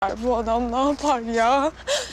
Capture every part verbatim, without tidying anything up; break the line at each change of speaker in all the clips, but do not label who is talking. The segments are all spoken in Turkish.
Bu adam ne yapar ya?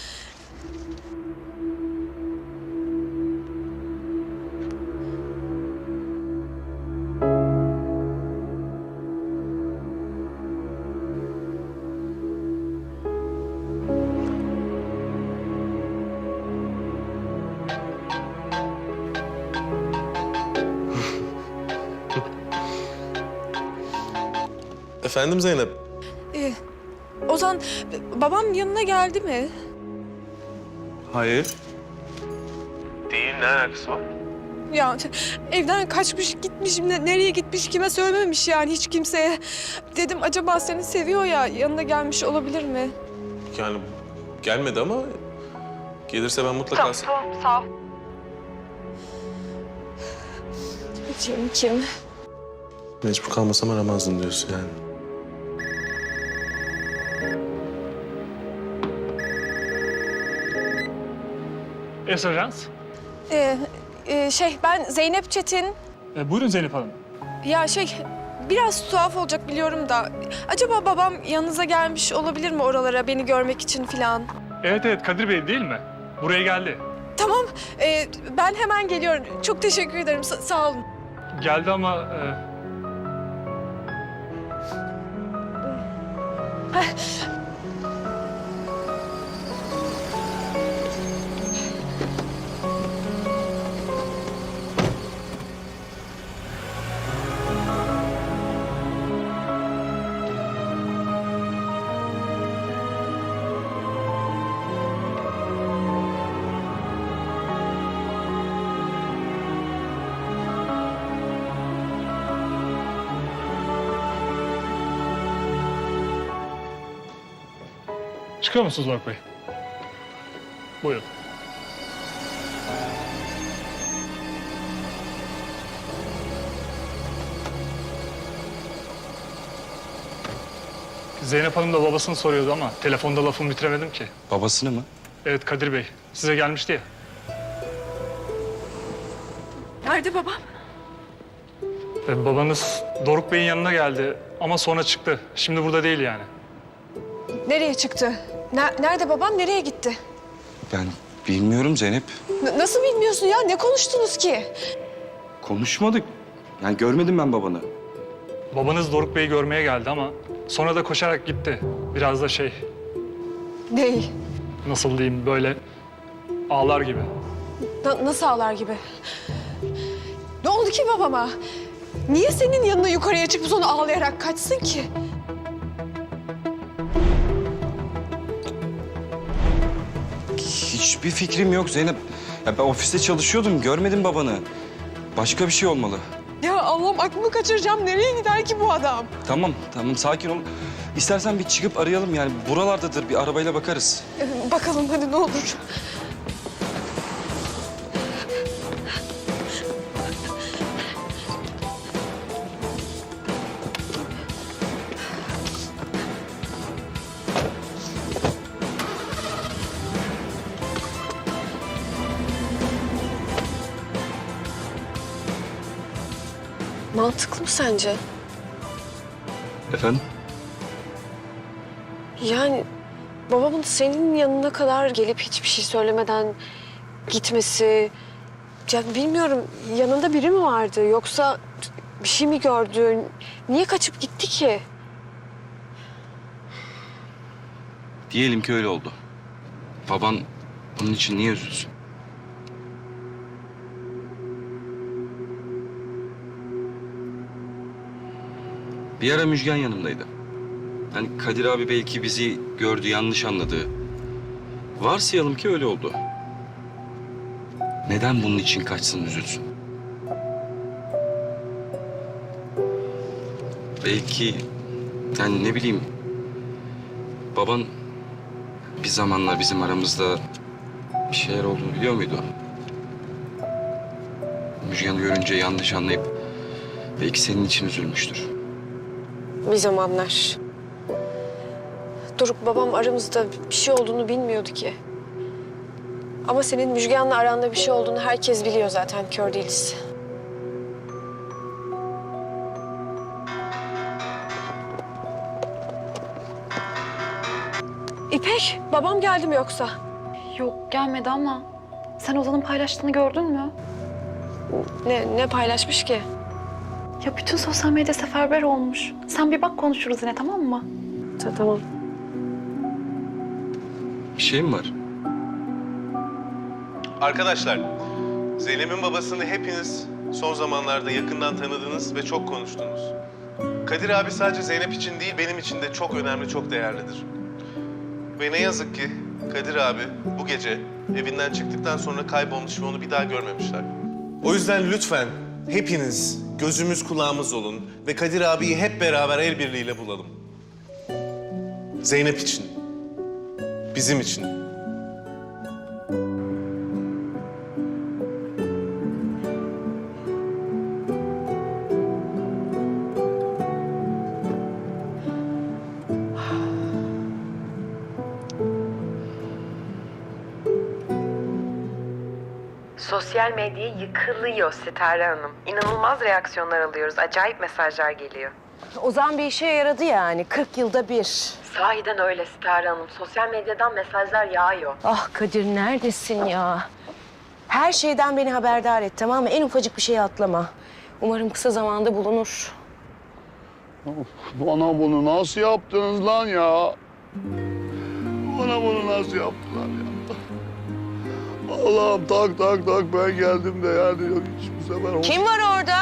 Efendim Zeynep?
Ee, Ozan, babam yanına geldi mi?
Hayır. Değil, ne alakası var?
Ya evden kaçmış gitmiş, ne- nereye gitmiş, kime söylememiş yani hiç kimseye. Dedim acaba seni seviyor ya, yanına gelmiş olabilir mi?
Yani gelmedi ama gelirse ben mutlaka...
Tamam, sağ ol. Kim, kim?
Mecbur kalmasam aramazdım diyorsun yani.
Esajans.
Ee, e, şey, ben Zeynep Çetin.
E, buyurun Zeynep Hanım.
Ya şey, biraz tuhaf olacak biliyorum da... Acaba babam yanınıza gelmiş olabilir mi oralara beni görmek için falan?
Evet evet Kadir Bey değil mi? Buraya geldi.
Tamam, ee, ben hemen geliyorum. Çok teşekkür ederim, Sa- sağ olun.
Geldi ama... E... Çıkıyor musunuz Burak Bey? Buyurun. Zeynep Hanım da babasını soruyordu ama telefonda lafımı bitiremedim ki.
Babasını mı?
Evet Kadir Bey, size gelmişti ya.
Nerede babam?
E, babanız Doruk Bey'in yanına geldi ama sonra çıktı. Şimdi burada değil yani.
Nereye çıktı? Ne- nerede babam, nereye gitti?
Ben bilmiyorum Zeynep.
N- nasıl bilmiyorsun ya? Ne konuştunuz ki?
Konuşmadık. Yani görmedim ben babanı.
Babanız Doruk Bey'i görmeye geldi ama sonra da koşarak gitti. Biraz da şey,
Değil.
nasıl diyeyim böyle ağlar gibi.
Na- nasıl ağlar gibi? Ne oldu ki babama? Niye senin yanına yukarıya çıkıp sonra ağlayarak kaçsın ki?
Hiçbir fikrim yok Zeynep. Ya ben ofiste çalışıyordum, görmedim babanı. Başka bir şey olmalı.
Ya Allah'ım, aklımı kaçıracağım. Nereye gider ki bu adam?
Tamam, tamam sakin ol. İstersen bir çıkıp arayalım yani. Buralardadır, bir arabayla bakarız.
Ee, Bakalım hadi ne olur. Mantıklı mı sence?
Efendim?
Yani babamın senin yanına kadar gelip hiçbir şey söylemeden gitmesi... Ya bilmiyorum, yanında biri mi vardı yoksa bir şey mi gördü? Niye kaçıp gitti ki?
Diyelim ki öyle oldu. Baban bunun için niye üzülsün? Bir ara Müjgan yanımdaydı. Hani Kadir abi belki bizi gördü, yanlış anladı. Varsayalım ki öyle oldu. Neden bunun için kaçsın, üzülsün? Belki, yani ne bileyim... Baban bir zamanlar bizim aramızda bir şeyler olduğunu biliyor muydu? Müjgan'ı görünce yanlış anlayıp belki senin için üzülmüştür.
Bir zamanlar. Doruk babam aramızda bir şey olduğunu bilmiyordu ki. Ama senin Müjgan'la aranda bir şey olduğunu herkes biliyor zaten, kör değiliz. İpek, babam geldi mi yoksa?
Yok gelmedi ama sen Ozan'ın paylaştığını gördün mü?
Ne, ne paylaşmış ki?
Ya bütün sosyal medya seferber olmuş. Sen bir bak konuşuruz yine tamam mı?
Ta- Tamam.
Bir şey mi var?
Arkadaşlar, Zeynep'in babasını hepiniz son zamanlarda yakından tanıdınız ve çok konuştunuz. Kadir abi sadece Zeynep için değil, benim için de çok önemli, çok değerlidir. Ve ne yazık ki Kadir abi bu gece evinden çıktıktan sonra kaybolmuş ve onu bir daha görmemişler. O yüzden lütfen hepiniz gözümüz kulağımız olun ve Kadir abiyi hep beraber el birliğiyle bulalım. Zeynep için, bizim için.
Sosyal medya yıkılıyor Sitare Hanım. İnanılmaz reaksiyonlar alıyoruz. Acayip mesajlar geliyor.
Ozan bir işe yaradı yani. kırk yılda bir.
Sahiden öyle Sitare Hanım. Sosyal medyadan mesajlar yağıyor.
Ah Kadir neredesin ya? Her şeyden beni haberdar et tamam mı? En ufacık bir şeyi atlama. Umarım kısa zamanda bulunur.
Bana bunu nasıl yaptınız lan ya? Bana bunu nasıl yaptılar ya? Allah'ım tak tak tak ben geldim de yani yok hiç bu sefer... olmaz.
Kim var orada?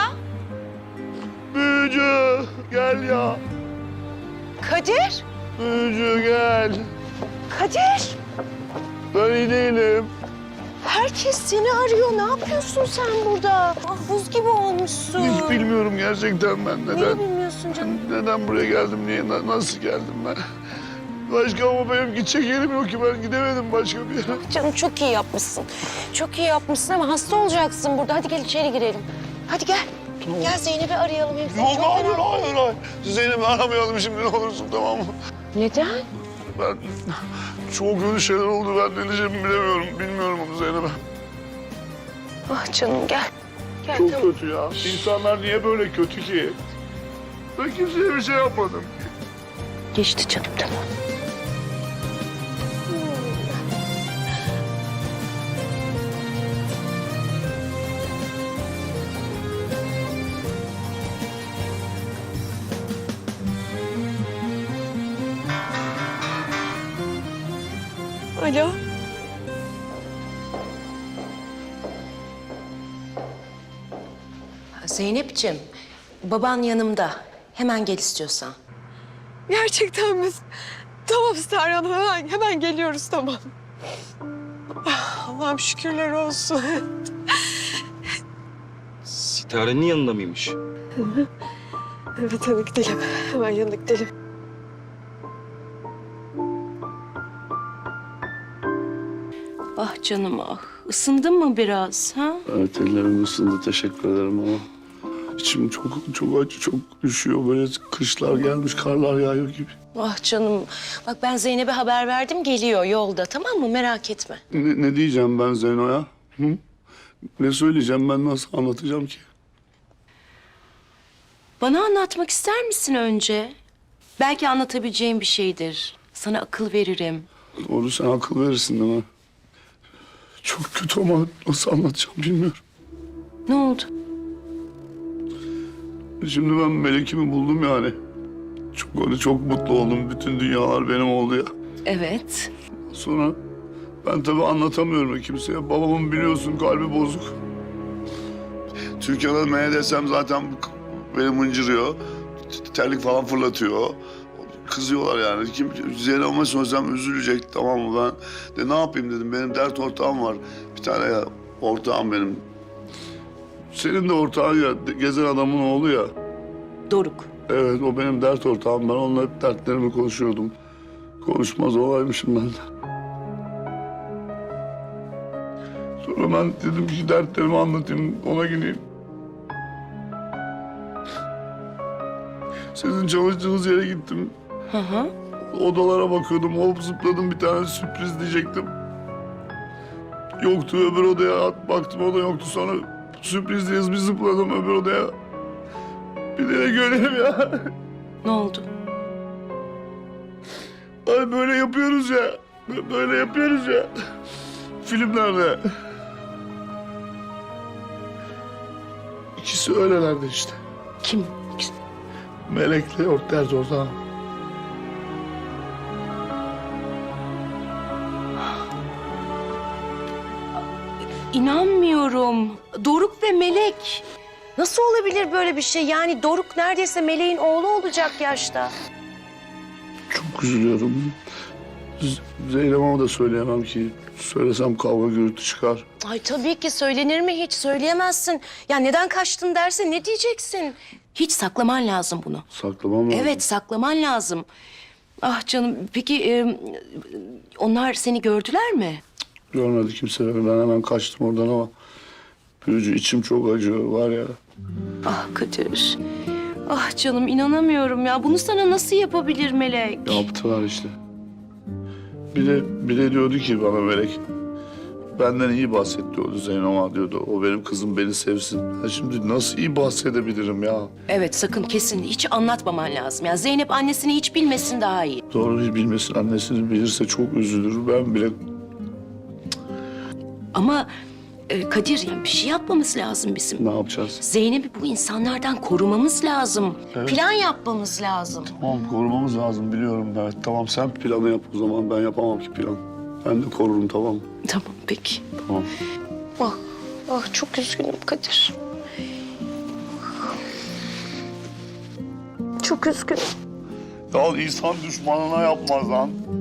Büyücü gel ya.
Kadir?
Büyücü gel.
Kadir?
Ben iyi değilim.
Herkes seni arıyor. Ne yapıyorsun sen burada? Ah buz gibi olmuşsun.
Hiç bilmiyorum gerçekten ben
Neyi
neden...
bilmiyorsun canım?
Neden buraya geldim, niye, na- nasıl geldim ben? Başka ama benim gidecek yerim yok ki ben gidemedim başka bir yere.
Canım çok iyi yapmışsın. Çok iyi yapmışsın ama hasta olacaksın burada. Hadi gel içeri girelim. Hadi gel.
Tamam.
Gel Zeynep'i arayalım. Hem seni
Yok
çok
hayır
merak-
hayır hayır. Zeynep'i aramayalım şimdi ne olursun tamam mı?
Neden?
Ben çok kötü şeyler oldu ben ne diyeceğimi bilemiyorum. Bilmiyorum onu Zeynep'e.
Ah canım gel. Gel
Çok
tamam.
kötü ya. İnsanlar niye böyle kötü ki? Ben kimseye bir şey yapmadım ki.
Geçti canım tamam.
Alo.
Zeynep'ciğim, baban yanımda. Hemen gel istiyorsan.
Gerçekten mi? Tamam Sitare Hanım, hemen, hemen geliyoruz tamam. Ah, Allah'ım şükürler olsun.
Sitare'nin yanında mıymış?
Evet hadi gidelim. Hemen yanına gidelim.
Ah canım ah. Isındın mı biraz ha?
Evet ellerim ısındı teşekkür ederim ama içim çok çok acı çok üşüyor böyle kışlar gelmiş karlar yağıyor gibi.
Ah canım. Bak ben Zeynep'e haber verdim geliyor yolda tamam mı? Merak etme.
Ne, ne diyeceğim ben Zeyno'ya? Hı? Ne söyleyeceğim ben nasıl anlatacağım ki?
Bana anlatmak ister misin önce? Belki anlatabileceğim bir şeydir. Sana akıl veririm.
Doğru sen akıl verirsin değil mi? Çok kötü ama nasıl anlatacağım bilmiyorum.
Ne oldu?
Şimdi ben Melek'imi buldum yani. Çok öyle çok mutlu oldum. Bütün dünyalar benim oldu ya.
Evet.
Sonra ben tabii anlatamıyorum kimseye. Babamın biliyorsun kalbi bozuk. Türkiye'de ne desem zaten beni mıncırıyor. Terlik falan fırlatıyor. Kızıyorlar yani. Kim Zeynep'e söylesem üzülecek tamam mı ben de ne yapayım dedim. Benim dert ortağım var. Bir tane ya ortağım benim. Senin de ortağın ya gezen adamın oğlu ya.
Doruk.
Evet o benim dert ortağım. Ben onunla hep dertlerimi konuşuyordum. Konuşmaz olaymışım ben de. Sonra ben dedim ki dertlerimi anlatayım, ona gideyim. Sizin çalıştığınız yere gittim.
Hı hı.
Odalara bakıyordum, hop zıpladım bir tane sürpriz diyecektim. Yoktu öbür odaya at, baktım o da yoktu. Sonra sürpriz diye bir zıpladım öbür odaya. Bir de göreyim ya.
Ne oldu?
Ay böyle yapıyoruz ya. Böyle yapıyoruz ya. Filmlerde. İkisi öylelerdi işte.
Kim?
Melek'le Orter Zordan.
İnanmıyorum. Doruk ve Melek. Nasıl olabilir böyle bir şey? Yani Doruk neredeyse Melek'in oğlu olacak yaşta.
Çok üzülüyorum. Z- Zeynep'e de söyleyemem ki. Söylesem kavga gürültü çıkar.
Ay tabii ki söylenir mi hiç? Söyleyemezsin. Ya neden kaçtın derse ne diyeceksin? Hiç saklaman lazım bunu.
Saklamam lazım.
Evet, saklaman lazım. Ah canım, peki e, onlar seni gördüler mi?
Görmedi kimse beni. Ben hemen kaçtım oradan ama... Büyücü içim çok acıyor var ya.
Ah Kadir. Ah canım, inanamıyorum ya. Bunu sana nasıl yapabilir Melek?
Yaptılar işte. Bir de, bir de diyordu ki bana Melek... Benden iyi bahset diyordu Zeynep'a diyordu. O benim kızım beni sevsin. Ha şimdi nasıl iyi bahsedebilirim ya?
Evet, sakın kesin. Hiç anlatmaman lazım. Ya Zeynep annesini hiç bilmesin daha iyi.
Doğru hiç bilmesin. Annesini bilirse çok üzülür. Ben bile...
Ama e, Kadir, yani bir şey yapmamız lazım bizim.
Ne yapacağız?
Zeynep'i bu insanlardan korumamız lazım.
Evet.
Plan yapmamız lazım.
Tamam korumamız lazım biliyorum. Evet tamam sen planı yap o zaman. Ben yapamam ki plan. Ben de korurum tamam mı?
Tamam, peki.
Tamam.
Ah, ah çok üzgünüm Kadir.
Çok üzgünüm.
Ya insan düşmanına yapmaz lan.